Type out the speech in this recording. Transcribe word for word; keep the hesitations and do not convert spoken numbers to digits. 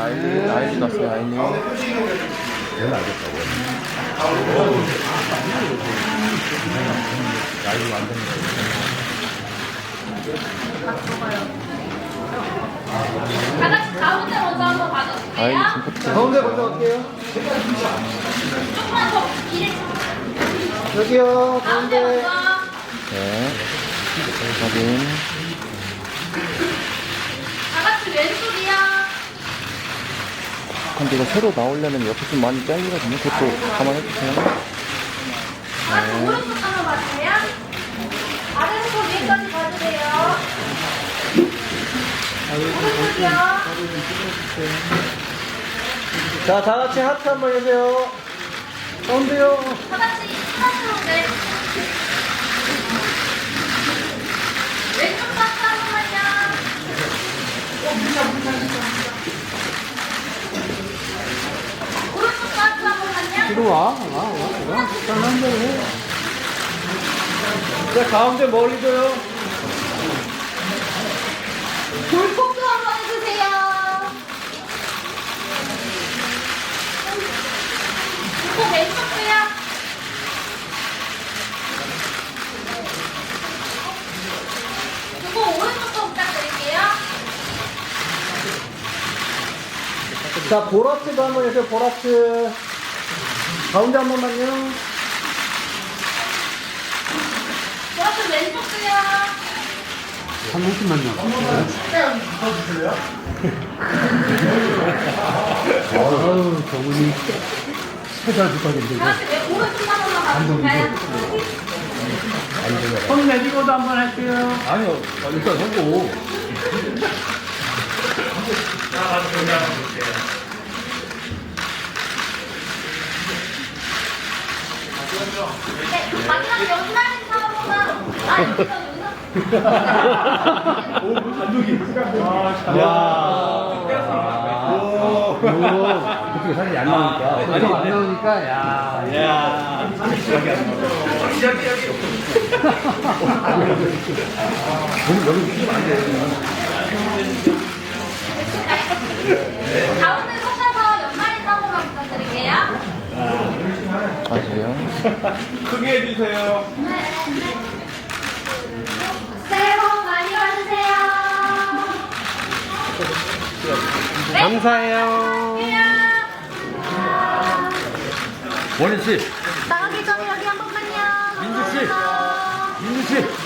아일린, 아일린 왔어요, 아일린. 얘는 알겠다고. 아일린 완전. 다 같이 가운데 먼저 한번 아일린 봐주세요. 진짜. 가운데 먼저 갈게요. 조금만 더 길에. 여기요, 가운데 가운데. 먼저. 네. 확인. 다 같이 왼쪽이요. 근데 이거 새로 나오려면 옆에 좀 많이 잘리거든요. 그것도 감안해주세요. 다 같이 오른쪽 한번 봐주세요. 아래부터 위에까지 봐주세요. 오른쪽이요. 자, 다 같이 하트 한번 해주세요. 가운데요. 다 같이 하나로 네. 왼쪽 박스 한 번만요. 오른쪽 박스 한 번만요. 뒤로 와, 와, 와, 와. 편한 대로 해. 자, 가운데 멀리 줘요. 돌폭도 한번 해주세요. 돌폭 왼쪽도요. 돌폭 오른쪽도 부탁드릴게요. 자, 보라트도 한번 해주세요, 보라트. 가운데 한 번만요. 오른쪽 왼쪽도요. 한 번씩만요. 아유, 정훈이. 최잘 부탁인데. 다 같이 왼- 오른쪽 한 번만 봐주실까요? 손 내리고도 한번 할게요. 아니요, 일단 하고. 네, 마지막 연말 인사 한 번만. 아, 여기서 그쪽에 사진이 안 나오니까. 아직 안 나오니까, 야. 야. 가운데 서셔서 연말 인사 한 번만 부탁드릴게요. 아세요? 크게 해주세요. 새해 복 많이 받으세요. 네. 감사해요. 원희 씨, 나가기 전에 여기 한 번만요. 민주 씨. 감사합니다. 민주 씨.